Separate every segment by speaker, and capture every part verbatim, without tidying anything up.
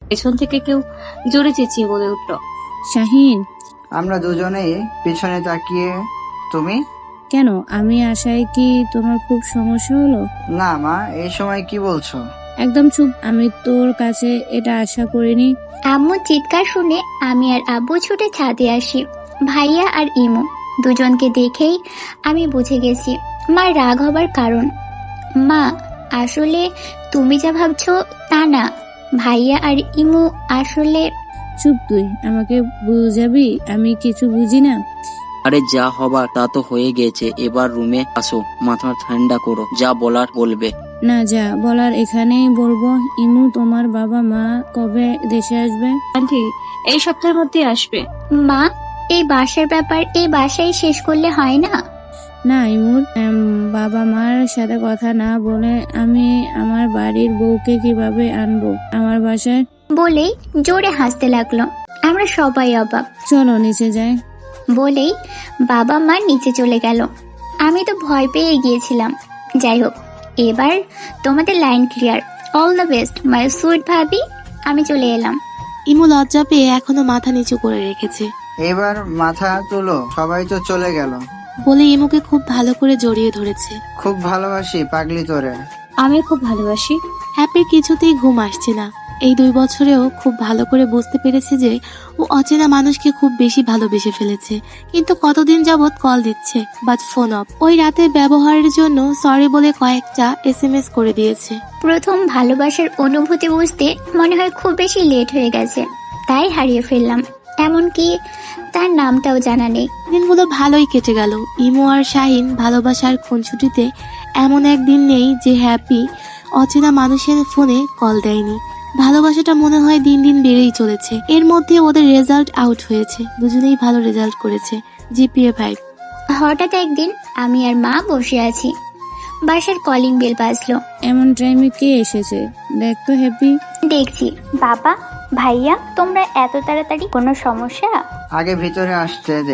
Speaker 1: পেছন থেকে কেউ জোরে চেঁচিয়ে বলে উঠল,
Speaker 2: শাহিন।
Speaker 3: আমরা দুজনেই পিছনে তাকিয়ে। তুমি?
Speaker 2: কেন, আমি আশায় কি তোমার খুব সমস্যা হলো?
Speaker 3: না মা, এই সময় কি বলছো?
Speaker 2: একদম চুপ। আমি তোর কাছে এটা আশা করিনি।
Speaker 4: আম্মু চিৎকার শুনে আমি আর আব্বু ছুটে ছাদে আসি। ভাইয়া আর ইমু দুজনকে দেখেই আমি বুঝে গেছি মার রাগ হবার কারণ। মা, আসলে তুমি যা ভাবছো তা না। ভাইয়া আর ইমু আসলে।
Speaker 2: চুপ তুই, আমাকে বুঝাবি? আমি কিছু বুঝি না।
Speaker 5: আরে যা হবার তা তো হয়ে গেছে, এবার রুমে আসো, মাথা ঠান্ডা করো, যা বলার বলবে।
Speaker 2: না, যা বলার এখানেই বলবো। ইমু, তোমার বাবা মা কবে দেশে আসবে?
Speaker 1: আন্টি এই সপ্তাহের মধ্যে আসবে।
Speaker 4: মা, এই বাসার ব্যাপার এই বাসায় শেষ করলে হয় না?
Speaker 2: না ইমুর, উম, বাবা মার সাথে কথা না বলে আমি আমার বাড়ির বউকে কিভাবে আনবো আমার বাসায়?
Speaker 4: বলেই জোরে হাসতে লাগলো। আমরা সবাই অবাক।
Speaker 2: চলো নিচে যাই।
Speaker 4: বলেই বাবা মা নিচে চলে গেল। আমি তো ভয় পেয়ে গিয়েছিলাম। যাই হোক, এবার তোমাদের line clear. All the best my sweet ভাবি। আমি চলে এলাম।
Speaker 6: ইমু লজ্জা পেয়ে এখনো মাথা নিচু করে রেখেছে।
Speaker 3: এবার মাথা তুলো, সবাই তো চলে গেল।
Speaker 6: বলে ইমুকে খুব ভালো করে জড়িয়ে ধরেছে।
Speaker 3: খুব ভালোবাসি পাগলি তোরে।
Speaker 1: আমি খুব ভালোবাসি।
Speaker 6: হ্যাপির কিছুতেই ঘুম আসছে না। এই দুই বছরেও খুব ভালো করে বুঝতে পেরেছে যে ও অচেনা মানুষকে খুব বেশি ভালোবেসে ফেলেছে, কিন্তু কতদিন যাবৎ কল দিচ্ছে বাট ফোন অফ। ওই রাতের ব্যবহারের জন্য সরি বলে কয়েকটা এস এম এস করে দিয়েছে।
Speaker 4: প্রথম ভালোবাসার অনুভূতি বুঝতে মনে হয় খুব বেশি লেট হয়ে গেছে, তাই হারিয়ে ফেললাম। এমনকি তার নামটাও জানা নেই।
Speaker 6: দিনগুলো ভালোই কেটে গেল। ইমু আর শাহিন ভালোবাসার খুনছুটিতে এমন একদিন নেই যে হ্যাপি অচেনা মানুষের ফোনে কল দেয়নি। ভালোবাসাটা মনে হয় দিন দিন বেড়েই চলেছে। এর মধ্যে ওদের রেজাল্ট আউট হয়েছে, দুজনেই ভালো রেজাল্ট করেছে, জিপিএ ফাইভ।
Speaker 4: হঠাৎ একদিন আমি আর মা বসে আছি, বাসার কলিং বেল বাজলো।
Speaker 2: এমন টাইমে কে এসেছে দেখ তো হ্যাপি।
Speaker 4: দেখছি। বাবা, ভাইয়া, তোমরা এত তাড়াতাড়ি? কোনো সমস্যা?
Speaker 3: আগে ভিতরে আসতে দে।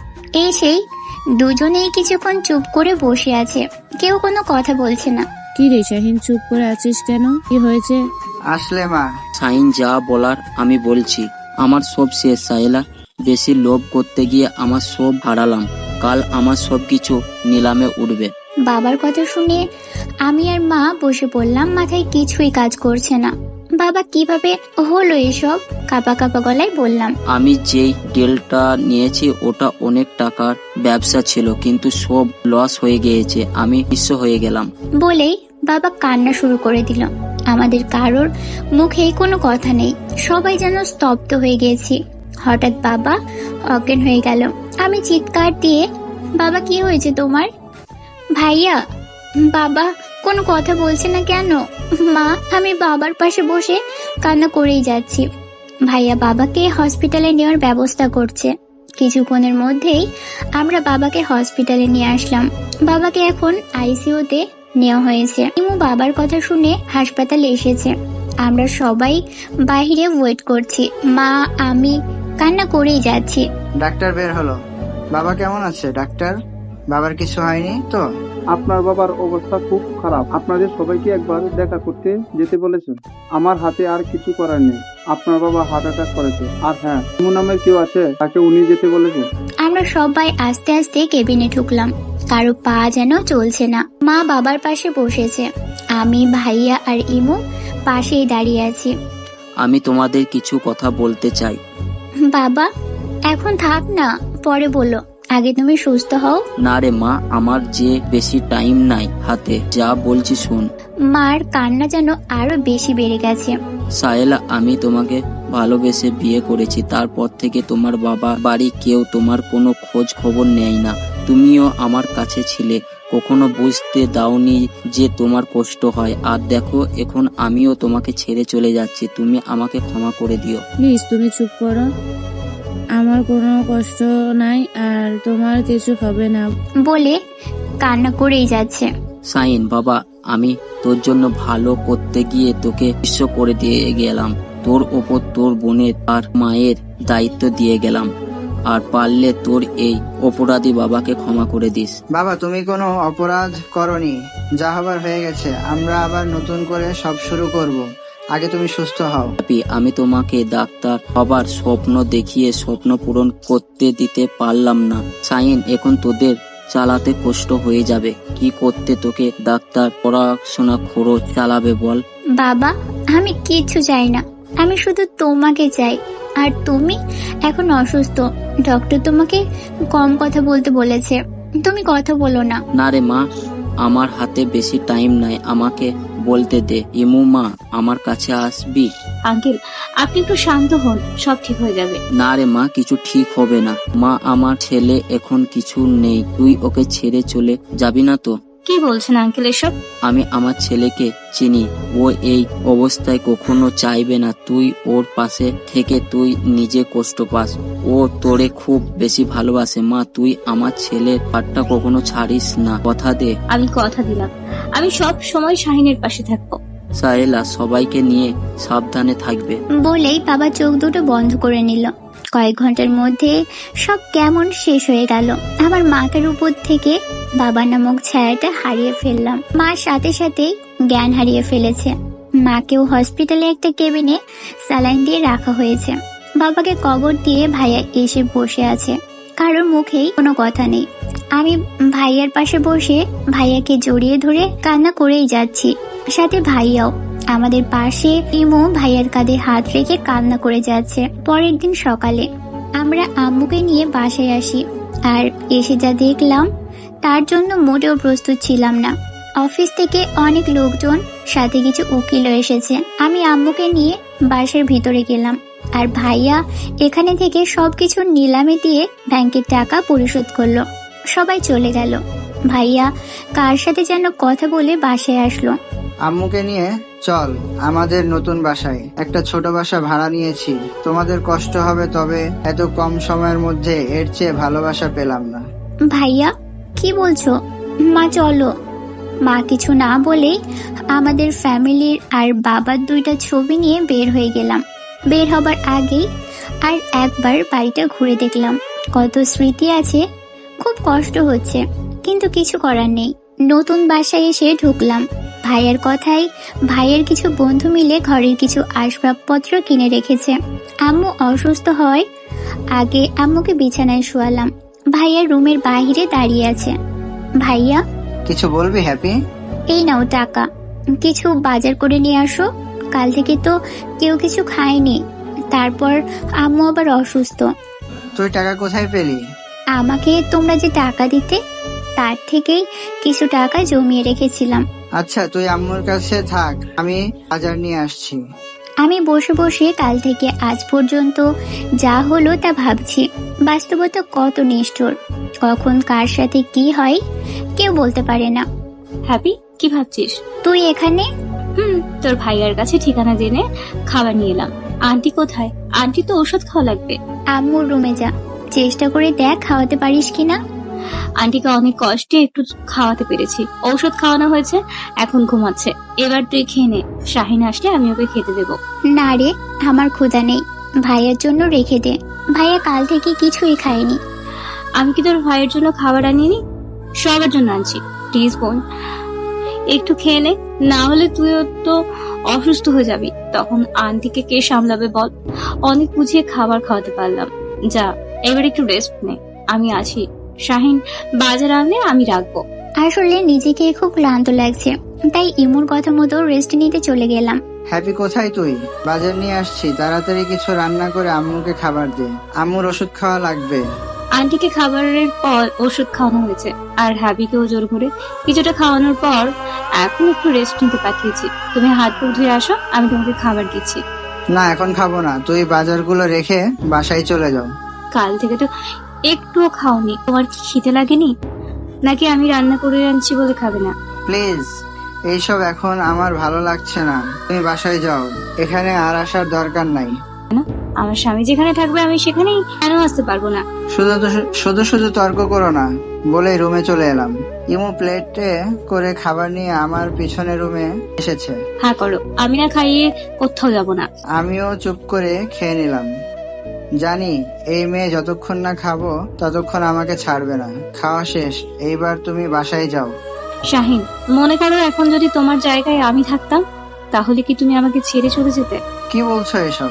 Speaker 4: এই সেই দুজনেই কিছুক্ষণ চুপ করে বসে আছে, কেউ কোনো কথা বলছে না।
Speaker 2: কি রে শাহিন, চুপ করে আছিস কেন? কি হয়েছে?
Speaker 3: আসলে মা।
Speaker 5: সাইন, যা বলার আমি বলছি। আমার সব শেষ সাহেলা। বেশি লোভ করতে গিয়ে আমার সব হারালাম। কাল আমার সব কিছু নিলামে উঠবে।
Speaker 4: বাবার কথা শুনে আমি আর মা বসে পড়লাম। মাথায় কিছুই কাজ করছে না। বাবা, কিভাবে হলো এসব? কাপা কাপা গলায় বললাম।
Speaker 5: আমি যেই ডিলটা নিয়েছি ওটা অনেক টাকার ব্যবসা ছিল, কিন্তু সব লস হয়ে গিয়েছে। আমি নিঃস্ব হয়ে গেলাম।
Speaker 4: বলেই বাবা কান্না শুরু করে দিল। আমাদের কারোর মুখে কোনো কথা নেই, সবাই যেন স্তব্ধ হয়ে গেছি। হঠাৎ বাবা অজ্ঞান হয়ে গেল। আমি চিৎকার দিয়ে, বাবা কি হয়েছে তোমার? ভাইয়া, বাবা কোনো কথা বলছে না কেন? মা, আমি বাবার পাশে বসে কান্না করেই যাচ্ছি। ভাইয়া বাবাকে হসপিটালে নেওয়ার ব্যবস্থা করছে। কিছুক্ষণের মধ্যেই আমরা বাবাকে হসপিটালে নিয়ে আসলাম। বাবাকে এখন আইসিইউতে নেওয়া হয়েছে। ইমু বাবার কথা শুনে হাসপাতালে এসেছে। আমরা সবাই বাইরে ওয়েট করছি। মা, আমি কান্না করেই যাচ্ছি।
Speaker 3: ডাক্তার বের হলো। বাবা কেমন আছে ডাক্তার? বাবার কিছু হয়নি তো?
Speaker 7: আপনার বাবার অবস্থা খুব খারাপ। আপনাদের সবাইকে একবার দেখা করতে যেতে বলেছেন। আমার হাতে আর কিছু করার নেই। আপনার বাবা হার্ট অ্যাটাক করেছে। আর হ্যাঁ, ইমু নামের কেউ আছে, তাকে উনি যেতে বলেছেন।
Speaker 4: আমরা সবাই আস্তে আস্তে কেবিনে ঢুকলাম। কারো পা যেন চলছে না। মা বাবার পাশে বসেছে, আমি, ভাইয়া আর ইমু পাশেই দাঁড়িয়ে আছি।
Speaker 5: আমি তোমাদের কিছু কথা বলতে চাই।
Speaker 4: বাবা, এখন থাক না, পরে বলো, আগে তুমি সুস্থ হও।
Speaker 5: না রে মা, আমার যে বেশি টাইম নাই হাতে, যা বলছি শুন।
Speaker 4: মার কান্না যেন আরো বেশি বেড়ে গেছে।
Speaker 5: সাহেলা, আমি তোমাকে ভালোবেসে বিয়ে করেছি। তারপর থেকে তোমার বাবা বাড়ি কেউ তোমার কোনো খোঁজ খবর নেয় না। তুমিও আমার কাছে ছিলে, কখনো বুঝতে দাওনি যে তোমার কষ্ট হয়। আর দেখো, এখন আমিও তোমাকে ছেড়ে চলে যাচ্ছি। তুমি আমাকে ক্ষমা করে দিও।
Speaker 2: প্লিজ তুমি চুপ করো। আমার কোনো কষ্ট নাই আর তোমার কিছু হবে না।
Speaker 4: বলে কান্না করেই যাচ্ছে।
Speaker 5: সাইন, বাবা, আমি তোর জন্য ভালো করতে গিয়ে তোকে বিশ্ব করে দিয়ে গেলাম। তোর ওপর তোর বোনের আর মায়ের দায়িত্ব দিয়ে গেলাম। আর পারলে তোর এই অপরাধী বাবাকে ক্ষমা করে দিস।
Speaker 3: বাবা, তুমি কোনো অপরাধ করনি। যা হবার হয়ে গেছে। আমরা আবার নতুন করে সব শুরু করব। আগে তুমি সুস্থ হও।
Speaker 5: হ্যাপি, আমি তোমাকে ডাক্তার হবার স্বপ্ন দেখিয়ে স্বপ্ন পূরণ করতে দিতে পারলাম না। শাহিন, এখন তোদের চালাতে কষ্ট হয়ে যাবে। কি করতে তোকে ডাক্তার পড়াশোনা খরচ চালাবে বল?
Speaker 4: বাবা, আমি কিচ্ছু চাই না, আমি শুধু তোমাকে চাই। আর তুমি এখন অসুস্থ, ডক্টর তোমাকে কম কথা বলতে বলেছে, তুমি কথা বলো না।
Speaker 5: না রে মা, আমার হাতে বেশি টাইম নাই, আমাকে বলতে দে। ইমু মা, আমার কাছে আসবি?
Speaker 1: আঙ্কেল, আপনি একটু শান্ত হন, সব ঠিক হয়ে যাবে।
Speaker 5: না রে মা, কিছু ঠিক হবে না। মা, আমার ছেলে এখন কিছু নেই, তুই ওকে ছেড়ে চলে যাবি না তো?
Speaker 1: কি বলছেন আঙ্কেল এসব?
Speaker 5: আমি আমার ছেলেকে চিনি, ও এই অবস্থায় কখনো চাইবে না তুই ওর পাশে থেকে তুই নিজে কষ্ট পাস। ও তোরে খুব বেশি ভালোবাসে। মা, তুই আমার ছেলের হাতটা কখনো ছাড়িস না, কথা দে।
Speaker 1: আমি কথা দিলাম, আমি সব সময় শাহিনের পাশে থাকবো।
Speaker 5: সাহেলা, সবাইকে নিয়ে সাবধানে থাকবে।
Speaker 4: বলেই বাবা চোখ দুটো বন্ধ করে নিল। কয়েক ঘন্টার মধ্যে সব কেমন শেষ হয়ে গেল। আমার মাথার উপর থেকে বাবা নামক ছায়াটা হারিয়ে ফেললাম। মা সাথে সাথেই জ্ঞান হারিয়ে ফেলেছে। মাকেও হসপিটালে একটা কেবিনে স্যালাইন দিয়ে রাখা হয়েছে। বাবাকে কবর দিয়ে ভাইয়া এসে বসে আছে, কারোর মুখেই কোনো কথা নেই। আমি ভাইয়ার পাশে বসে ভাইয়াকে জড়িয়ে ধরে কান্না করেই যাচ্ছি, সাথে ভাইয়াও আমাদের পাশে। ইমো ভাইয়ার কাঁধে হাত রেখে কান্না করে যাচ্ছে। পরের দিন সকালে আমরা আম্মুকে নিয়ে বাসায় আসি, আর এসে যা দেখলাম তার জন্য মোটেও প্রস্তুত ছিলাম না। অফিস থেকে অনেক লোকজন, সাথে কিছু উকিলও এসেছে। আমি আম্মুকে নিয়ে বাসার ভিতরে গেলাম, আর ভাইয়া এখানে থেকে সবকিছু নিলামে দিয়ে ব্যাংকের টাকা পরিশোধ করলো। সবাই চলে গেল। ভাইয়া কার সাথে যেন কথা বলে বাসায় আসলো।
Speaker 3: আম্মুকে নিয়ে চল আমাদের নতুন বাসায়। একটা ছোট বাসা ভাড়া নিয়েছি, তোমাদের কষ্ট হবে, তবে এত কম সময়ের মধ্যে এর চেয়ে ভালোবাসা পেলাম না।
Speaker 4: ভাইয়া, কি বলছো? মা চলো। মা কিছু না বলেই আমাদের ফ্যামিলির আর বাবার দুইটা ছবি নিয়ে বের হয়ে গেলাম। বের হবার আগেই আর একবার বাড়িটা ঘুরে দেখলাম, কত স্মৃতি আছে। খুব কষ্ট হচ্ছে, কিন্তু কিছু করার নেই। নতুন বাসায় এসে ঢুকলাম। ভাইয়ের কথাই ভাইয়ের কিছু বন্ধু মিলে ঘরের কিছু আসবাবপত্র কিনে রেখেছে। আম্মু অসুস্থ হয় আগে আম্মুকে বিছানায় শোয়ালাম। ভাইয়া রুমের বাইরে দাঁড়িয়ে আছে। ভাইয়া,
Speaker 3: কিছু বলবি হ্যাপি?
Speaker 4: এই নাও টাকা, কিছু বাজার করে নিয়ে আসো। কাল থেকে তো কেউ কিছু খায়নি, তারপর আম্মু আবার অসুস্থ।
Speaker 3: তুই টাকা কোথায় পেলি?
Speaker 4: আমাকে তোমরা যে টাকা দিতে, তার থেকেই কিছু টাকা জমিয়ে রেখেছিলাম।
Speaker 3: আচ্ছা, তুই আম্মুর কাছে থাক, আমি বাজার নিয়ে আসছি।
Speaker 4: আমি বসে বসে কাল থেকে আজ পর্যন্ত যা হলো তা ভাবছি। বাস্তবতা কত নিষ্ঠুর, কখন কার সাথে কি হয় কেউ বলতে পারে না।
Speaker 1: হ্যাপি, কি ভাবছিস?
Speaker 4: তুই এখানে?
Speaker 1: হুম, তোর ভাইয়ার কাছে ঠিকানা জেনে খাবার নিয়ে এলাম। আন্টি কোথায়? আন্টি তো ওষুধ খাওয়া লাগবে।
Speaker 4: আম্মুর রুমে যা, চেষ্টা করে দেখ খাওয়াতে পারিস কিনা।
Speaker 1: আন্টিকে অনেক কষ্টে একটু খাওয়াতে পেরেছি, ঔষধ খাওয়ানো হয়েছে, এখন ঘুমাচ্ছে। এবার তুই খেয়ে নে, শাহিন আসলে আমি ওকে খেতে দেবো।
Speaker 4: না রে, আমার ক্ষুধা নেই, ভাইয়ের জন্য রেখে দে। ভাইয়া কাল থেকে কিছুই খায়নি।
Speaker 1: আমি কি তোর ভাইয়ের জন্য খাবার আনিনি? সবার জন্য আনছি, প্লিজ বোন একটু খেয়ে নে, না হলে তুইও তো অসুস্থ হয়ে যাবি। তখন আন্টিকে কে সামলাবে বল? অনেক বুঝিয়ে খাবার খাওয়াতে পারলাম। যা, এবার একটু রেস্ট নে, আমি আছি। শাহিন বাজার আনলে আমি রাখবো।
Speaker 4: আসলে নিজেকে খুব ক্লান্ত লাগছে, তাই ইমুর কথা মতো রেস্ট নিতে চলে গেলাম।
Speaker 3: হ্যাপি কোথায় তুই? বাজার নিয়ে আসছি, তাড়াতাড়ি কিছু রান্না করে আম্মুকে খাবার দে, আম্মুর ওষুধ খাওয়া লাগবে।
Speaker 1: আন্টিকে খাবারের পর ওষুধ খাওয়ানো হয়েছে, আর হ্যাপিকেও জোর করে কিছুটা খাওয়ানোর পর এখন একটু রেস্ট নিতে পাঠিয়েছি। তুমি হাত মুখ ধুয়ে আসো, আমি তোমাকে খাবার দিচ্ছি।
Speaker 3: না, এখন খাবো না, তুই বাজারগুলো রেখে বাসায় চলে যাও।
Speaker 1: কাল থেকে তো একটুও খাওনি, তোমার কি খিদে লাগেনি নাকি আমি রান্না করে আনছি বলে খাবে না?
Speaker 3: প্লিজ, এইসব এখন আমার ভালো লাগছে না, তুমি বাসায় যাও, এখানে আর আসার দরকার নাই।
Speaker 1: আমার স্বামী যেখানে থাকবে আমি সেখানেই কেন আসতে পারবো না?
Speaker 3: শুধু তো- শুধু শুধু তর্ক করো না বলে রুমে চলে এলাম। ইমু প্লেটে করে খাবার নিয়ে আমার পিছনে রুমে এসেছে।
Speaker 1: হ্যাঁ করো, আমি না খাইয়ে কোথাও যাব না।
Speaker 3: আমিও চুপ করে খেয়ে নিলাম। জানি এই মেয়ে যতক্ষণ না খাবো ততক্ষণ আমাকে ছাড়বে না। খাওয়া শেষ, এইবার তুমি বাসায় যাও।
Speaker 1: শাহিন, মনে করো এখন যদি তোমার জায়গায় আমি থাকতাম, তাহলে কি তুমি আমাকে ছেড়ে চলে যেতে?
Speaker 3: কি বলছো এসব?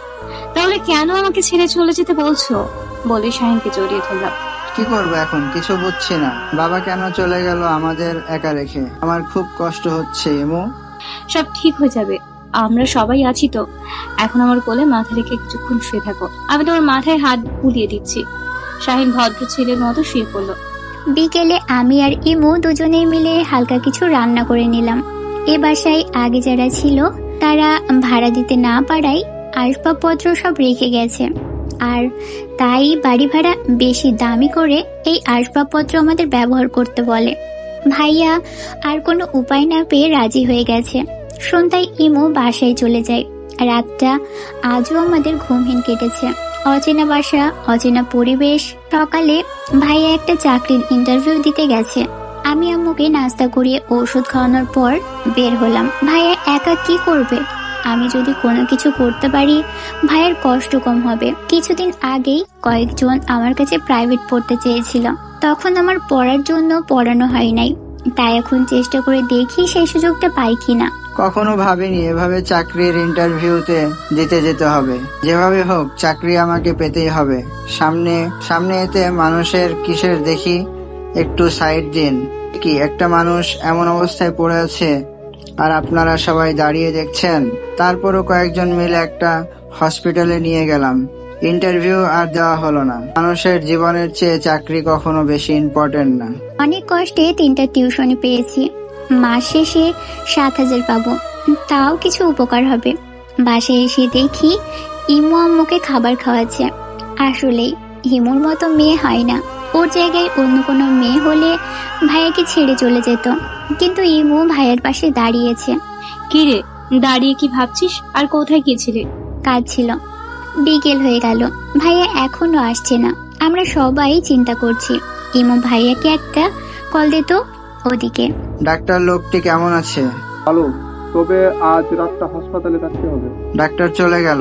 Speaker 1: তাহলে কেন আমাকে ছেড়ে চলে যেতে বলছো? বলে শাহিনকে জড়িয়ে ধরলাম।
Speaker 3: কি করবো এখন কিছু বুঝছি না। বাবা কেন চলে গেল আমাদের একা রেখে? আমার খুব কষ্ট হচ্ছে ইমু।
Speaker 1: সব ঠিক হয়ে যাবে, আমরা সবাই আছি তো। এখন আমার কোলে মাথা রেখে কিছুক্ষণ শুয়ে থাকো, আমি তোমার মাথায় হাত বুলিয়ে দিচ্ছি। শাহিন ভদ্র ছেলের মতো শুয়ে পড়লো।
Speaker 4: বিকেলে আমি আর ইমু দুজনেই মিলে হালকা কিছু রান্না করে নিলাম। এ বাসায় আগে যারা ছিল তারা ভাড়া দিতে না পারায় আসবাবপত্র সব রেখে গেছে, আর তাই বাড়ি ভাড়া বেশি দামি করে এই আসবাবপত্র আমাদের ব্যবহার করতে বলে। ভাইয়া আর কোনো উপায় না পেয়ে রাজি হয়ে গেছে। সন্ধ্যায় ইমু বাসায় চলে যায়। রাতটা আজও আমাদের ঘুমহীন কেটেছে। অচেনা বাসা, অচেনা পরিবেশ। সকালে ভাইয়া একটা চাকরির ইন্টারভিউ দিতে গেছে। আমি আম্মুকে নাস্তা করিয়ে ওষুধ খাওয়ানোর পর বের হলাম। ভাইয়া একা কি করবে? আমি যদি কোনো কিছু করতে পারি ভাইয়ের কষ্ট কম হবে। কিছুদিন আগেই কয়েকজন আমার কাছে প্রাইভেট পড়তে চেয়েছিল, তখন আমার পড়ার জন্য পড়ানো হয় নাই। তাই এখন চেষ্টা করে দেখি সেই সুযোগটা পাই কিনা।
Speaker 3: কখনো ভাবিনি এভাবে চাকরির ইন্টারভিউতে দিতে যেতে হবে। যেভাবে হোক চাকরি আমাকে পেতেই হবে। সামনে সামনে এতে মানুষের কিসের দেখি, একটু সাইড দিন। কি একটা মানুষ এমন অবস্থায় পড়ে আছে আর আপনারা সবাই দাঁড়িয়ে দেখছেন। তারপরও কয়েকজন মিলে একটা হসপিটালে নিয়ে গেলাম। ইন্টারভিউ আর দেওয়া হলো না। মানুষের জীবনের চেয়ে চাকরি কখনো বেশি ইম্পর্টেন্ট না।
Speaker 4: অনেক কষ্টে তিনটা টিউশনি পেয়েছি। মাস শেষে সাত হাজার পাবো, তাও কিছু উপকার হবে। বাসায় এসে দেখি ইমু আম্মুকে খাবার খাওয়াচ্ছে। আসলেই হিমুর মতো মেয়ে হয় না। ওর জায়গায় অন্য কোনো মেয়ে হলে ভাইয়াকে ছেড়ে চলে যেত, কিন্তু ইমু ভাইয়ের পাশে দাঁড়িয়েছে।
Speaker 1: কি রে, দাঁড়িয়ে কি ভাবছিস? আর কোথায় গিয়েছিলে?
Speaker 4: কাজ ছিল। বিকেল হয়ে গেল, ভাইয়া এখনো আসছে না। আমরা সবাই চিন্তা করছি। ইমু ভাইয়াকে একটা কল দিত। ওদিকে
Speaker 3: ডাক্তার লোকটি কেমন আছে?
Speaker 7: ভালো, তবে আজ রাতটা হাসপাতালে থাকতে হবে।
Speaker 3: ডাক্তার চলে গেল।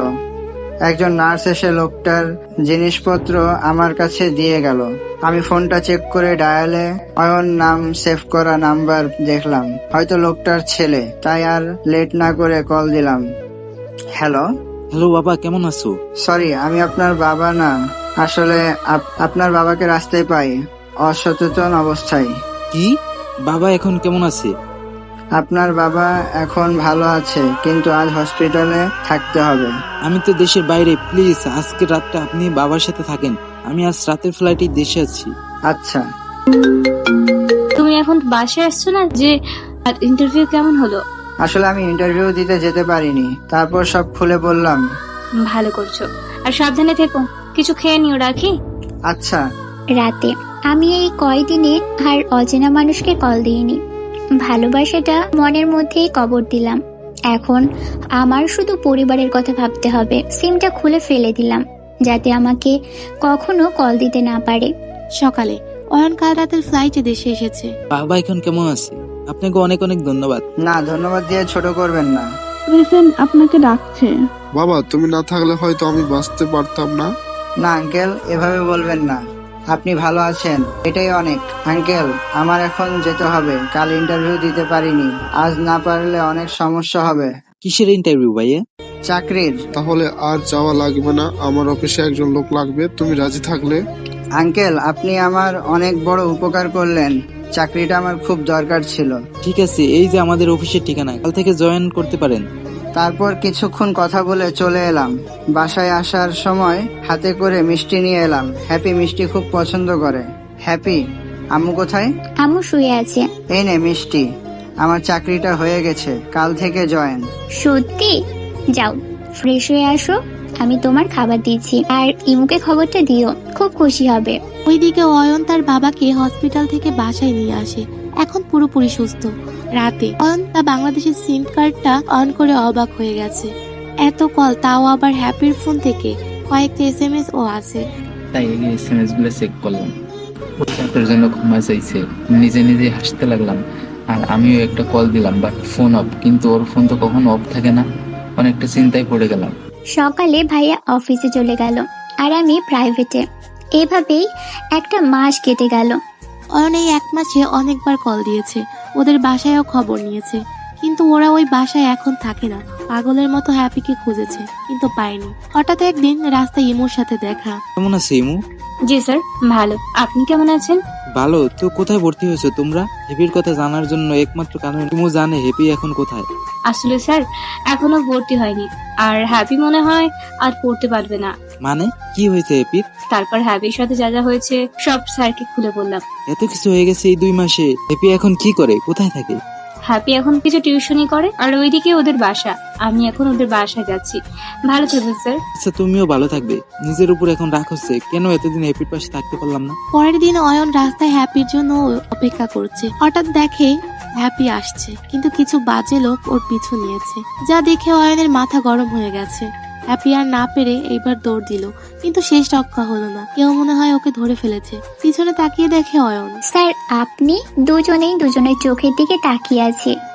Speaker 3: একজন নার্স এসে লোকটার জিনিসপত্র আমার কাছে দিয়ে গেল। আমি ফোনটা চেক করে ডায়ালে অয়ন নাম সেভ করা নাম্বার দেখলাম। হয়তো লোকটার ছেলে, তাই আর লেট না করে কল দিলাম। হ্যালো।
Speaker 8: হ্যালো বাবা, কেমন আছো?
Speaker 3: সরি, আমি আপনার বাবা না। আসলে আপ- আপনার বাবাকে রাস্তায় পাই, অসচেতন অবস্থায়।
Speaker 8: কি? বাবা এখন কেমন আছে?
Speaker 3: আপনার বাবা এখন ভালো আছে, কিন্তু আজ হসপিটালে থাকতে হবে।
Speaker 8: আমি তো দেশের বাইরে, প্লিজ আজকে রাতটা আপনি বাবার সাথে থাকেন। আমি আজ রাতের ফ্লাইটে দেশে আছি।
Speaker 3: আচ্ছা।
Speaker 1: তুমি এখন বাসায় আসছো না যে? ইন্টারভিউ কেমন হলো?
Speaker 3: আসলে আমি ইন্টারভিউ দিতে যেতে পারিনি, তারপর সব খুলে বললাম।
Speaker 1: ভালো করছো, আর সাবধানে থেকো। কিছু খেয়ে নিও, রাখি?
Speaker 3: আচ্ছা।
Speaker 4: রাতে আমি এই কয়দিনে আর অচেনা মানুষকে কল দিইনি। ভালোবাসাটা মনের মধ্যেই কবর দিলাম। এখন আমার শুধু পরিবারের কথা ভাবতে হবে। সিমটা খুলে ফেলে দিলাম, যাতে আমাকে কখনো কল দিতে না পারে।
Speaker 6: সকালে অয়ন কাল রাতের ফ্লাইটে দেশে এসেছে।
Speaker 8: বাবা এখন কেমন আছে? আপনাকে অনেক অনেক ধন্যবাদ।
Speaker 3: না, ধন্যবাদ দিয়ে ছোট করবেন না।
Speaker 9: রিসেন আপনাকে ডাকছে।
Speaker 10: বাবা, তুমি না থাকলে হয়তো আমি বাঁচতে পারতাম না।
Speaker 3: না আঙ্কেল, এভাবে বলবেন না। আপনি ভালো আছেন, এটাই অনেক। আঙ্কেল, আমার এখন যেতে হবে। কাল ইন্টারভিউ দিতে পারিনি। আজ না পারলে অনেক সমস্যা হবে।
Speaker 8: কিসের ইন্টারভিউ ভাইয়া?
Speaker 3: চাকরির।
Speaker 10: তাহলে আর যাওয়া লাগবে না। আমার অফিসে একজন লোক লাগবে, তুমি রাজি থাকলে।
Speaker 3: আঙ্কেল, আপনি আমার অনেক বড় উপকার করলেন। চাকরিটা আমার খুব দরকার ছিল।
Speaker 8: ঠিক আছে, এই যে আমাদের অফিসের ঠিকানা, কাল থেকে জয়েন করতে পারেন।
Speaker 3: তারপর কিছুক্ষণ কথা বলে চলে এলাম। বাসায় আসার সময় হাতে করে মিষ্টি নিয়ে এলাম। হ্যাপি মিষ্টি খুব পছন্দ করে। হ্যাপি, আম্মু কোথায়?
Speaker 4: আম্মু শুয়ে আছে।
Speaker 3: এই নে মিষ্টি। আমার চাকরিটা হয়ে গেছে, কাল থেকে জয়েন।
Speaker 4: সত্যি? যাও ফ্রেশ হয়ে আসো, আমি তোমার খাবার দিচ্ছি। আর ইমুকে খবরটা দিও, খুব খুশি হবে।
Speaker 6: ওইদিকে অয়ন তার বাবাকে হসপিটাল থেকে বাসায় নিয়ে আসে। এখন পুরোপুরি সুস্থ। রাতে অয়ন তার বাংলাদেশের সিম কার্ডটা অন করে অবাক হয়ে গেছে। এত কল, তাও আবার হ্যাপির ফোন থেকে। কয়েকটা এস এম এস ও আছে।
Speaker 11: তাই এই এস এম এস গুলো চেক করলাম। ও চাকরির জন্য ক্ষমা চাইছে। নিজে নিজে হাসতে লাগলাম। আর আমিও একটা কল দিলাম, বাট ফোন অফ। কিন্তু ওর ফোন তো কখনো অফ থাকে না। অনেকটা চিন্তায় পড়ে গেলাম।
Speaker 4: সকালে ভাইয়া অফিসে চলে গেল, আর আমি প্রাইভেটে। এভাবেই একটা মাস কেটে গেল।
Speaker 6: অয়ন এই এক মাসে অনেকবার কল দিয়েছে, ওদের বাসায়ও খবর নিয়েছে, কিন্তু ওরা ওই বাসায় এখন থাকে না। পাগলের মতো হ্যাপিকে খুঁজেছে কিন্তু পায়নি। হঠাৎ একদিন রাস্তায় ইমুর সাথে দেখা।
Speaker 8: কেমন আছে ইমু?
Speaker 1: জি স্যার, ভালো। আপনি কেমন আছেন?
Speaker 8: ভালো। তো কোথায় ভর্তি হয়েছো তোমরা? হেপির কথা জানার জন্য একমাত্র কারণ ইমু জানে হেপি এখন কোথায়।
Speaker 1: আসলে স্যার এখনো ভর্তি হয়নি, আর হ্যাপি মনে হয় আর পড়তে পারবে না।
Speaker 8: মানে কি হয়েছে হেপির?
Speaker 1: তারপর হ্যাপির সাথে যা যা হয়েছে সব স্যারকে খুলে বললাম।
Speaker 8: এত কিছু হয়ে গেছে এই দুই মাসে। হেপি এখন কি করে, কোথায় থাকে?
Speaker 1: হ্যাপি এখন কিছু টিউশনই করে, আর ওইদিকে ওদের বাসা। আমি এখন ওদের বাসায় যাচ্ছি। ভালো থাকবেন স্যার।
Speaker 8: আচ্ছা, তুমিও ভালো থাকবে। নিজের উপর এখন রাগ হচ্ছে কেন? এতদিন হেপির পাশে থাকতে পারলাম না।
Speaker 6: পরের দিন অয়ন রাস্তায় হ্যাপির জন্য অপেক্ষা করছে। হঠাৎ দেখে হ্যাপি আসছে, কিন্তু কিছু বাজে লোক ওর পিছু নিয়েছে, যা দেখে অয়নের মাথা গরম হয়ে গেছে। হ্যাপি আর না পেরে এইবার দৌড় দিল, কিন্তু শেষ রক্ষা হলো না। কেউ মনে হয় ওকে ধরে ফেলেছে। পিছনে তাকিয়ে দেখে অয়ন।
Speaker 4: স্যার, আপনি দুজনেই দুজনের চোখের দিকে তাকিয়ে আছে।